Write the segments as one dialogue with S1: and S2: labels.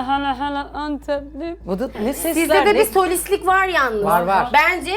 S1: hala Antepli.
S2: Bu da ne sesler?
S3: Sizde de
S2: ne-
S3: bir solistlik var yalnız.
S2: Var.
S3: Bence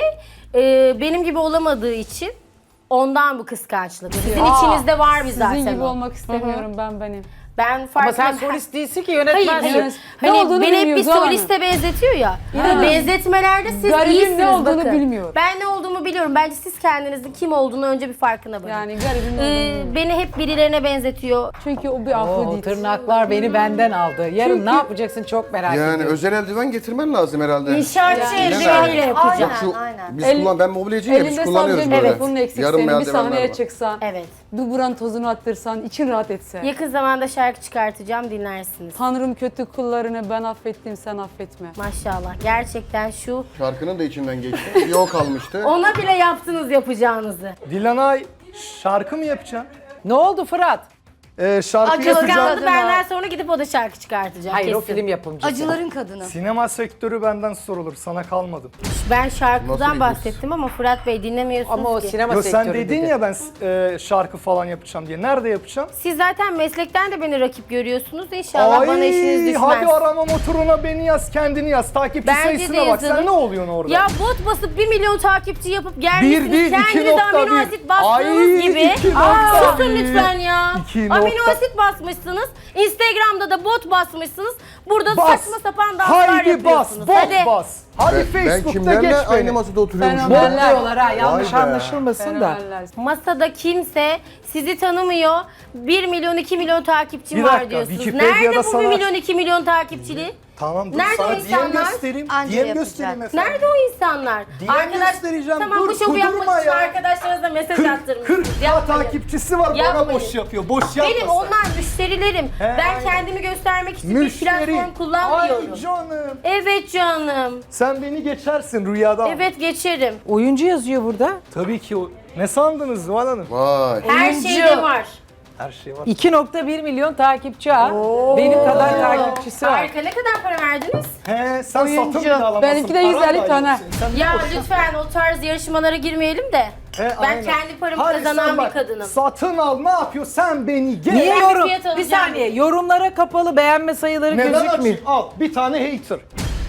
S3: benim gibi olamadığı için ondan bu kıskançlık. Sizin içinizde var bir zaten.
S1: Sizin gibi
S3: o.
S1: olmak istemiyorum benim.
S3: Ben
S2: Ama
S3: farklı.
S2: sen solist değilsin ki
S3: Hayır,
S2: yönetmensin.
S3: hayır.
S1: Evet. Ne
S3: Hani
S1: olduğunu
S3: beni hep bir
S1: bilmiyoruz ama.
S3: soliste benzetiyor ya.
S1: İnanın.
S3: Benzetmelerde siz
S1: Garibin
S3: iyisiniz
S1: ne olduğunu
S3: bakın.
S1: bilmiyor.
S3: Ben ne olduğumu biliyorum. Bence siz kendinizin kim olduğunu önce bir farkına varın.
S1: Yani garibin ne olduğunu bilmiyor.
S3: Beni hep birilerine benzetiyor.
S1: Çünkü o bir
S2: O
S1: Afrodit.
S2: tırnaklar beni benden aldı. Yarın
S1: Çünkü-
S2: ne yapacaksın çok merak
S4: Yani
S2: ediyorum.
S4: özel eldiven getirmen lazım herhalde.
S3: İnşaatçı
S4: Yani-
S3: eldiveniyle yapacağım.
S4: Yok şu,
S5: aynen.
S4: biz ben mobilyacıyım ya, biz
S1: Elinde
S4: kullanıyoruz
S1: sabun,
S4: böyle.
S1: evet bunun eksik
S4: Yarım
S1: senin. Bir
S4: eldivenler
S1: sahneye
S4: var.
S1: çıksan,
S3: Evet.
S1: bir buranın tozunu attırsan, için rahat etse.
S3: Yakın zamanda şarkı çıkartacağım, dinlersiniz.
S1: Tanrım kötü kullarını ben affettim, sen affetme.
S3: Maşallah. Gerçekten şu
S4: Şarkının da içinden geçti. Bir o kalmıştı.
S3: ona bile yaptınız yapacağınızı.
S6: Dilanay şarkı mı yapacaksın?
S2: Ne oldu Fırat?
S6: Şarkı
S5: Acı
S6: yapacağım.
S3: Kıskandı benden sonra gidip o da şarkı çıkartacak.
S2: Hayır o
S3: kesin.
S2: film yapımcısı.
S5: Acıların kadını.
S6: Sinema sektörü benden sorulur. Sana kalmadım.
S3: Ben
S4: Nasıl
S3: şarkıdan
S4: bir
S3: bahsettim ama Fırat Bey dinlemiyorsunuz
S2: Ama o
S3: ki.
S2: sinema
S6: Yo,
S2: sektörü
S6: sen dedin
S2: dedi.
S6: ya ben şarkı falan yapacağım diye. Nerede yapacağım?
S3: Siz zaten meslekten de beni rakip görüyorsunuz. İnşallah bana işiniz düşmez.
S6: hadi arama motoruna beni yaz, kendini yaz. Takipçi
S3: Bence
S6: sayısına
S3: de
S6: bak. Sen
S3: yazalım.
S6: ne oluyorsun orada?
S3: Ya bot basıp 1 milyon takipçi yapıp
S6: Bir
S3: gelmişsiniz.
S6: değil,
S3: Kendiniz amino
S6: 2.1.
S3: asit bastığınız
S6: Ay,
S3: gibi.
S6: 2.1.
S3: Susun lütfen ya.
S6: 2.1.
S3: Amino asit basmışsınız. Instagram'da da bot basmışsınız. Burada
S6: Bas.
S3: saçma sapan danslar
S6: Haydi bas,
S3: yapıyorsunuz.
S6: bot
S3: Hadi.
S6: bas. Hadi
S4: Ben
S6: Facebook'ta
S4: kimlerle
S6: geç
S4: aynı
S6: beni.
S4: masada oturuyormuşum.
S1: Ben
S4: ya?
S2: Diyorlar ha yanlış
S4: Vay be.
S2: anlaşılmasın da.
S1: Fenomenler.
S3: Masada kimse sizi tanımıyor. 1 milyon 2 milyon takipçim
S6: Bir
S3: var
S6: dakika,
S3: diyorsunuz.
S6: Wikipedia'da
S3: Nerede bu 1
S6: sana-
S3: milyon 2 milyon takipçili?
S6: Tamam dur
S3: Nerede
S6: sana
S3: o
S6: diyem
S3: insanlar?
S6: göstereyim.
S5: Anca
S6: Diyem
S5: yapacak.
S6: göstereyim efendim.
S3: Nerede o insanlar?
S6: Diyen göstereceğim.
S3: Tamam
S6: Dur,
S3: bu şovu
S6: kudurma
S3: yapmak için
S6: ya.
S3: arkadaşlarınıza mesaj
S6: 40
S3: attırmışsınız.
S6: 40
S3: Yapmayın.
S6: takipçisi var bana
S3: Yapmayın.
S6: boş yapıyor. Boş yapmasın.
S3: Benim onlar müşterilerim. Ben
S6: aynen.
S3: kendimi göstermek için bir
S6: Müşteri.
S3: platform kullanmıyorum.
S6: Ay canım.
S3: Evet canım.
S6: Sen beni geçersin rüyada.
S3: Evet geçerim.
S2: Oyuncu yazıyor burada.
S6: Tabii ki o. Ne sandınız Zuhal Hanım?
S4: Vay.
S3: Her
S2: Oyuncu.
S3: şeyde var.
S6: Her şey var.
S2: 2.1 milyon takipçi ha. Benim kadar takipçisi var.
S3: Harika. Ne kadar para verdiniz?
S6: He sen
S5: Oyuncu.
S6: satın bile alamazsın.
S1: Benimki de
S6: Paran
S1: 150
S6: da
S1: tane.
S6: yok senin. Sen
S3: Ya
S6: boş yap.
S3: lütfen o tarz yarışmalara girmeyelim de.
S6: He,
S3: Ben
S6: aynen.
S3: kendi paramı
S6: Hadi
S3: kazanan
S6: sen
S3: bir
S6: bak,
S3: kadınım.
S6: Satın al ne yapıyor? Sen beni gel.
S2: Niye
S3: Ben bir
S2: yorum?
S3: fiyat
S2: Bir
S3: alacağım.
S2: saniye. Yorumlara kapalı beğenme sayıları
S6: Neden
S2: gözükmüyor.
S6: açayım? Al bir tane hater.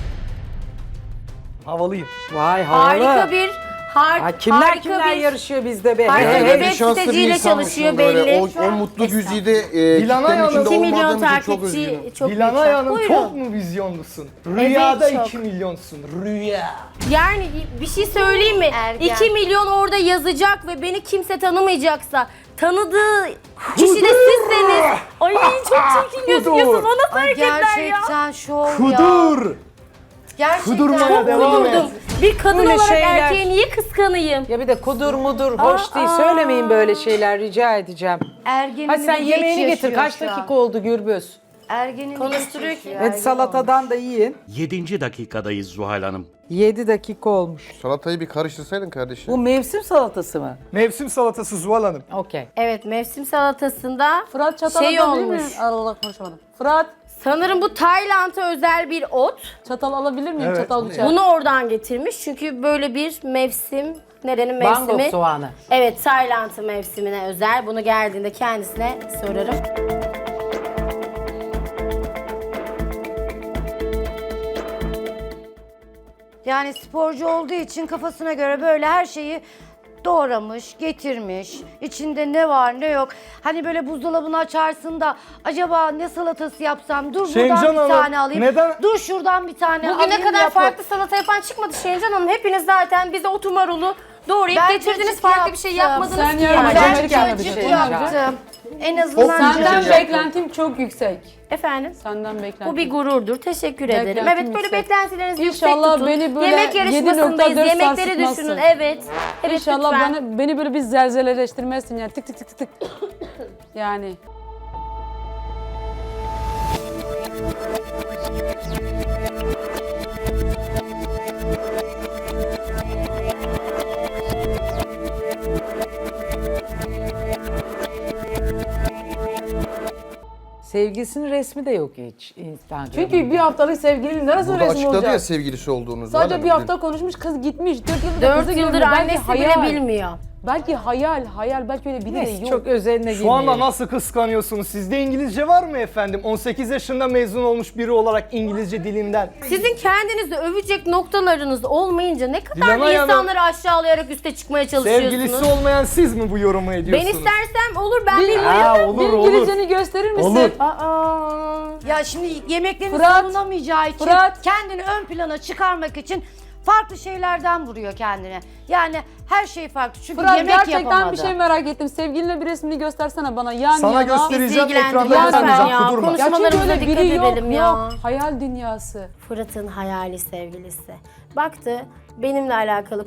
S6: Havalıyım.
S2: Vay havalı.
S3: Harika bir
S2: Kimler
S3: harika
S2: kimler
S3: bir
S2: yarışıyor bizde be.
S3: Harika
S4: Yani
S3: bir
S4: ben
S3: web
S4: şanslı bir
S3: siteciyle
S4: insanmışım
S3: çalışıyor
S4: böyle.
S3: belli.
S4: O mutlu güzide
S6: Dilanay
S4: kitlenin
S6: Hanım.
S4: içinde
S3: 2 milyon
S4: olmadığım için çok üzgünüm.
S3: takipçi çok
S6: Dilanay
S3: yüksek.
S6: Hanım
S3: Buyurun.
S6: çok mu vizyonlusun? Rüyada
S3: çok.
S6: 2 milyonsun. Rüya.
S3: Yani bir şey söyleyeyim mi?
S5: Ergen.
S3: 2 milyon orada yazacak ve beni kimse tanımayacaksa tanıdığı kişi de sizseniz. Ay çok çirkin gözüküyorsunuz. O nasıl
S5: Ay
S3: hareketler ya?
S5: gerçekten şov ya.
S6: Kudur.
S5: Gerçekten.
S6: Kudurmaya devam et.
S3: Kudurdum. Bir kadın
S2: Böyle
S3: olarak
S2: şeyler-
S3: erkeğe niye kıskanayım?
S2: Ya bir de kudur mudur hoş değil. Söylemeyin böyle şeyler rica edeceğim.
S5: Ergenini
S2: Hadi sen
S5: geç
S2: yemeğini getir.
S5: yaşıyor
S2: Kaç
S5: şu an.
S2: dakika oldu Gürbüz?
S5: Ergenini
S3: Konuşturuyor
S5: geç
S3: ki.
S5: yaşıyor,
S2: Evet
S5: ergen
S2: salatadan da yiyin.
S7: 7. dakikadayız Zuhal Hanım.
S2: 7 dakika olmuş.
S4: Salatayı bir karıştırsaydın kardeşim.
S2: Bu mevsim salatası mı?
S6: Mevsim salatası Zuhal Hanım.
S2: Okey.
S3: Evet mevsim salatasında
S1: Fırat çatal
S3: şey
S1: alabilir
S3: olmuş.
S1: miyim? Allah konuşamadım. Fırat
S3: Sanırım bu Tayland'a özel bir ot.
S1: çatal alabilir miyim?
S6: Evet.
S1: Çatal bıçak.
S3: Bunu oradan getirmiş çünkü böyle bir mevsim, nerenin
S2: Bangkok
S3: mevsimi?
S2: soğanı.
S3: Evet, Tayland'ın mevsimine özel. Bunu geldiğinde kendisine sorarım.
S5: Yani sporcu olduğu için kafasına göre böyle her şeyi doğramış, getirmiş. İçinde ne var ne yok. Hani böyle buzdolabını açarsın da acaba ne salatası yapsam? Dur buradan
S6: Şencan
S5: bir
S6: Hanım,
S5: tane alayım.
S6: neden-
S5: Dur şuradan bir tane alayım.
S3: Bugüne kadar
S5: yapın.
S3: farklı salata yapan çıkmadı Şencan Hanım. Hepiniz zaten bize otu marulu doğrayıp
S5: Ben
S3: getirdiniz.
S5: cacık
S3: Farklı bir şey
S5: yaptım.
S3: yapmadınız
S1: Sen
S3: ki.
S1: yarın
S3: yani.
S1: Ben
S5: Ben
S1: Amerikan'da bir
S5: cacık
S1: şey
S5: yaptım. En azından
S1: Senden
S5: cacık.
S1: beklentim çok yüksek.
S3: Efendim?
S1: Senden beklentim.
S3: Bu bir gururdur. Teşekkür ederim.
S1: Beklentim
S3: Evet böyle
S1: yüksek.
S3: beklentilerinizi yüksek
S1: İnşallah
S3: tutun.
S1: beni böyle
S3: Yemek yarışmasındayız.
S1: 7.4
S3: Yemekleri
S1: sarsıtmazsın.
S3: düşünün. Evet. Evet
S1: İnşallah
S3: lütfen.
S1: beni böyle bir zelzeleleştirmezsin yani tık tık tık tık tık. Yani.
S2: Sevgilisinin resmi de yok hiç Instagram'da.
S1: Çünkü bir haftalık sevgilinin neresi
S4: Burada
S1: resmi
S4: açıkladı ya
S1: olacak?
S4: sevgilisi olduğunu.
S1: Sadece
S4: Zuhal
S1: bir
S4: Hanım.
S1: hafta konuşmuş, kız gitmiş. 4 yıldır
S3: 4
S1: kızı
S3: yıldır
S1: görmüyor. Belki
S3: annesi
S1: hayal.
S3: bile bilmiyor.
S1: Belki hayal belki öyle biri de
S2: Neyse
S1: yok.
S2: çok özeline
S6: Şu anda
S2: girmeyelim.
S6: nasıl kıskanıyorsunuz? Sizde İngilizce var mı efendim? 18 yaşında mezun olmuş biri olarak İngilizce dilinden.
S3: Sizin kendinizi övecek noktalarınız olmayınca ne kadar
S6: Dilanay Hanım,
S3: insanları aşağılayarak üste çıkmaya çalışıyorsunuz.
S6: Sevgilisi olmayan siz mi bu yorumu
S3: Ben
S6: ediyorsunuz?
S3: istersem olur, ben bilmiyorum.
S6: Ha, olur
S1: Bir
S6: olur.
S1: İngilizceni gösterir misin?
S6: Olur.
S3: Aa.
S5: Ya şimdi yemeklerini
S1: Fırat,
S5: savunamayacağı için
S1: Fırat.
S5: kendini ön plana çıkarmak için farklı şeylerden vuruyor kendine. Yani her şey farklı. Çünkü
S1: Fırat
S5: yemek
S1: gerçekten
S5: yapamadı.
S1: bir şey merak ettim. Sevgilinle bir resmini göstersene bana yan
S6: Sana
S1: yana.
S6: göstereceğim,
S3: Bizi
S6: ekranda
S3: ilgilendiriyor
S6: göstermeyeceğim,
S3: ya.
S6: kudurma.
S1: Ya çünkü
S3: Konuşmalarımıza
S1: öyle
S3: dikkat
S1: biri yok,
S3: edelim ya.
S1: yok. Hayal dünyası.
S3: Fırat'ın hayali sevgilisi. Baktı, benimle alakalı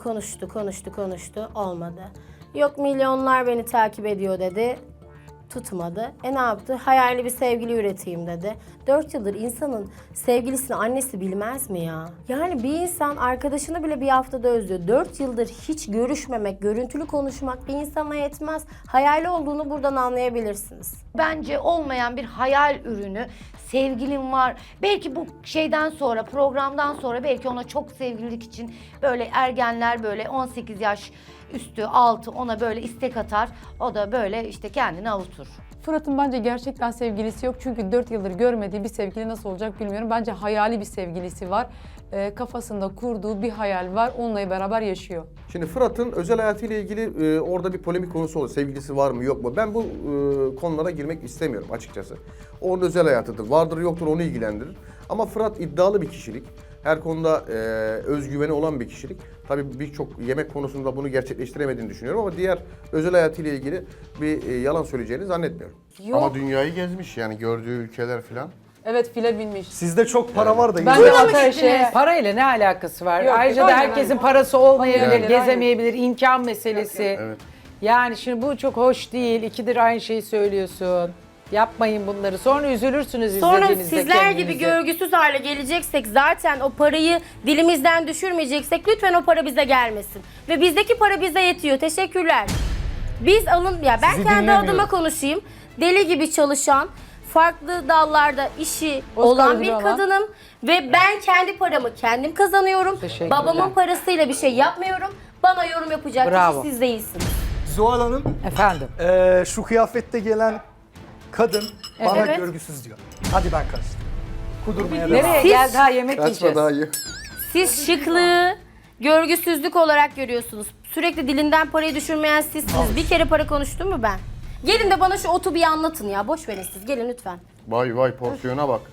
S3: konuştu, olmadı. Yok milyonlar beni takip ediyor dedi, tutmadı. Ne yaptı? Hayali bir sevgili üreteyim dedi. 4 yıldır insanın sevgilisini annesi bilmez mi ya? Yani bir insan arkadaşını bile bir haftada özlüyor. 4 yıldır hiç görüşmemek, görüntülü konuşmak bir insana yetmez. Hayali olduğunu buradan anlayabilirsiniz.
S5: Bence olmayan bir hayal ürünü. Sevgilim var. Belki bu şeyden sonra, programdan sonra belki ona çok sevgililik için böyle ergenler böyle 18 yaş üstü, altı ona böyle istek atar. O da böyle işte kendini avutur.
S1: Fırat'ın bence gerçekten sevgilisi yok. Çünkü 4 yıldır görmediği bir sevgili nasıl olacak bilmiyorum. Bence hayali bir sevgilisi var. Kafasında kurduğu bir hayal var. Onunla beraber yaşıyor.
S4: Şimdi Fırat'ın özel hayatıyla ilgili orada bir polemik konusu olur. Sevgilisi var mı yok mu? Ben bu konulara girmek istemiyorum açıkçası. Onun özel hayatıdır. Vardır yoktur onu ilgilendirir. Ama Fırat iddialı bir kişilik. Her konuda özgüveni olan bir kişilik. Tabii birçok yemek konusunda bunu gerçekleştiremediğini düşünüyorum ama diğer özel hayatıyla ilgili bir yalan söyleyeceğini zannetmiyorum.
S1: Yok.
S4: Ama dünyayı gezmiş yani gördüğü ülkeler falan.
S1: Evet, file binmiş.
S6: Sizde çok para var da.
S1: Ben
S6: güzel.
S1: de ateşe.
S2: Parayla ne alakası var?
S1: Yok,
S2: Ayrıca da
S1: aynen,
S2: herkesin
S1: aynen.
S2: parası olmayabilir,
S1: Olmayabilir,
S2: gezemeyebilir, imkan meselesi.
S4: Evet.
S2: Yani şimdi bu çok hoş değil. İkidir aynı şeyi söylüyorsun. Yapmayın bunları. Sonra üzülürsünüz
S3: Sonra
S2: izlediğinizde
S3: sizler gibi
S2: kendinizi.
S3: görgüsüz hale geleceksek, zaten o parayı dilimizden düşürmeyeceksek lütfen o para bize gelmesin. Ve bizdeki para bize yetiyor. Teşekkürler. Biz ben
S6: Sizi
S3: kendi
S6: dinlemiyorum.
S3: adıma konuşayım. Deli gibi çalışan, farklı dallarda işi
S1: Oscar
S3: olan
S1: ödülü
S3: bir
S1: alan.
S3: kadınım. Ve ben kendi paramı kendim kazanıyorum.
S2: Teşekkürler.
S3: Babamın parasıyla bir şey yapmıyorum. Bana yorum yapacak
S2: Bravo.
S3: kişi siz değilsiniz.
S6: Zuhal Hanım,
S2: Efendim.
S6: şu kıyafette gelen kadın bana
S3: Evet.
S6: görgüsüz diyor. Hadi ben kaçtım. Kudurmaya devam.
S2: Nereye gel daha yemek
S4: Kaçma
S2: yiyeceğiz.
S4: daha iyi.
S3: Siz şıklığı görgüsüzlük olarak görüyorsunuz. Sürekli dilinden parayı düşürmeyen sizsiniz. Bir kere para konuştum mu ben? Gelin de bana şu otu bir anlatın ya. Boş verin siz. Gelin lütfen.
S4: Vay vay porsiyona bak.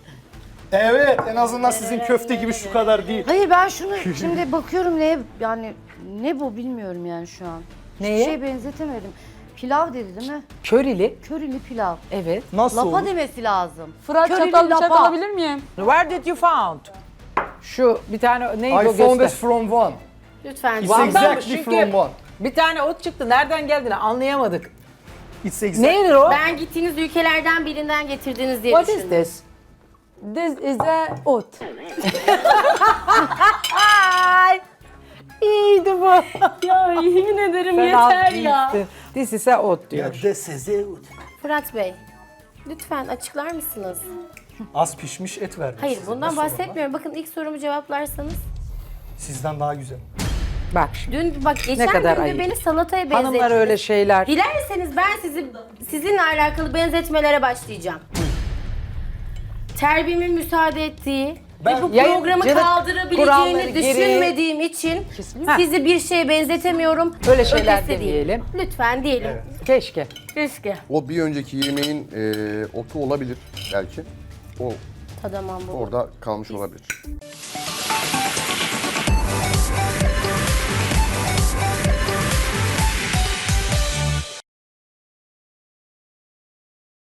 S6: Evet, en azından sizin köfte gibi şu kadar değil.
S5: Hayır ben şunu şimdi bakıyorum ne bu bilmiyorum yani şu an.
S2: Neye?
S5: Hiçbir şey benzetemedim. Pilav dedi değil mi?
S2: Körili.
S5: Körili pilav.
S2: Evet.
S6: Nasıl
S5: Lapa
S6: olur?
S5: demesi lazım.
S1: Fırat
S5: Körili
S1: çatal bıçak
S5: lapa.
S1: alabilir miyim?
S2: Where did you found? Şu bir tane neydi o
S6: I found
S2: göster.
S6: this from one.
S3: Lütfen.
S6: It's
S2: Van'dan mı?
S6: exactly
S2: Çünkü
S6: from one.
S2: bir tane ot çıktı. Nereden geldiğini anlayamadık.
S6: It's exactly.
S2: Neydi o?
S3: Ben gittiğiniz ülkelerden birinden getirdiniz diye
S2: What is
S3: düşündüm.
S2: this?
S1: This is a ot.
S2: Ay! İyiydi bu.
S3: Ya yemin ederim
S2: Sen
S3: yeter
S2: alt
S3: ya.
S2: değilsin. This is a ot diyor.
S3: Fırat Bey, lütfen açıklar mısınız?
S6: Az pişmiş et verdim
S3: Hayır
S6: size.
S3: bundan
S6: Nasıl olur
S3: bahsetmiyorum. Bakın ilk sorumu cevaplarsanız.
S6: lan? Sizden daha güzel.
S2: Bak şimdi.
S3: Dün geçen
S2: kadar
S3: gün de
S2: ayıp.
S3: beni salataya benzettiniz.
S2: Hanımlar öyle şeyler.
S3: Dilerseniz ben sizinle alakalı benzetmelere başlayacağım. Terbiyemin müsaade ettiği ve bu programı
S2: Yayıncılık kuralları
S3: kaldırabileceğini
S2: gereği-
S3: düşünmediğim için sizi bir şeye benzetemiyorum.
S2: Öyle şeyler
S3: Ötesi değil.
S2: demeyelim.
S3: Lütfen diyelim.
S2: Keşke.
S3: Keşke.
S4: O bir önceki yemeğin otu olabilir belki. O
S3: Tadamam bu.
S4: orada kalmış olabilir.